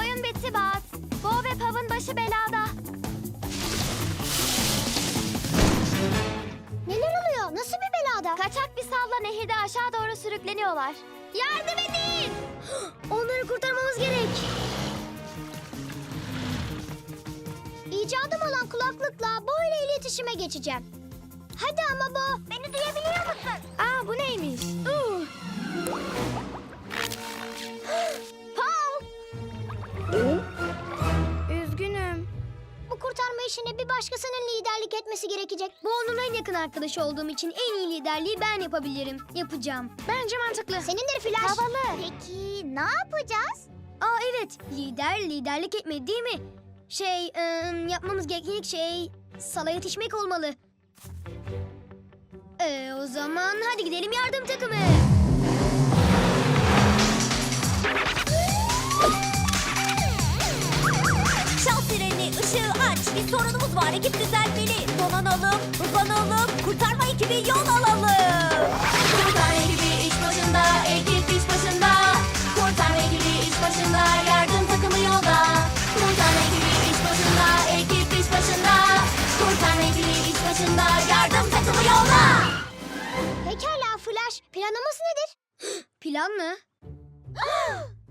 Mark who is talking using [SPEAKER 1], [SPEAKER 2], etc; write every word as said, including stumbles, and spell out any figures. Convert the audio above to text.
[SPEAKER 1] Oyun bitti Baz. Bo ve Pav'ın başı belada.
[SPEAKER 2] Neler oluyor? Nasıl bir belada?
[SPEAKER 1] Kaçak bir salla nehirde aşağı doğru sürükleniyorlar. Yardım edin!
[SPEAKER 2] Onları kurtarmamız gerek. İcadım olan kulaklıkla Bo ile iletişime geçeceğim. Hadi ama Bo, beni duyabiliyor musun?
[SPEAKER 1] Aa, bu neymiş? Uh. Paul! Üzgünüm.
[SPEAKER 2] Bu kurtarma işine bir başkasının liderlik etmesi gerekecek. Bu onun en yakın arkadaşı olduğum için en iyi liderliği ben yapabilirim. Yapacağım.
[SPEAKER 1] Bence mantıklı.
[SPEAKER 2] Senindir Flash.
[SPEAKER 1] Havalı.
[SPEAKER 2] Peki ne yapacağız? Aa evet, lider liderlik etmedi değil mi? Şey, ım, yapmamız gereken ilk şey Sal'a yetişmek olmalı. Ee, o zaman hadi gidelim yardım takımı.
[SPEAKER 3] Çal sirenini, ışığı aç. Bir sorunumuz var, ekip düzelmeli. Donanalım, hızlanalım, kurtarma ekibi yol alalım. Kurtarma ekibi iş başında, ekip iş başında. Kurtarma ekibi iş başında, yardım takımı yolda. Kurtarma ekibi iş başında, ekip iş başında. Kurtarma ekibi iş başında, yardım takımı yolda.
[SPEAKER 2] Pekala Flash, planımız nedir? Plan mı?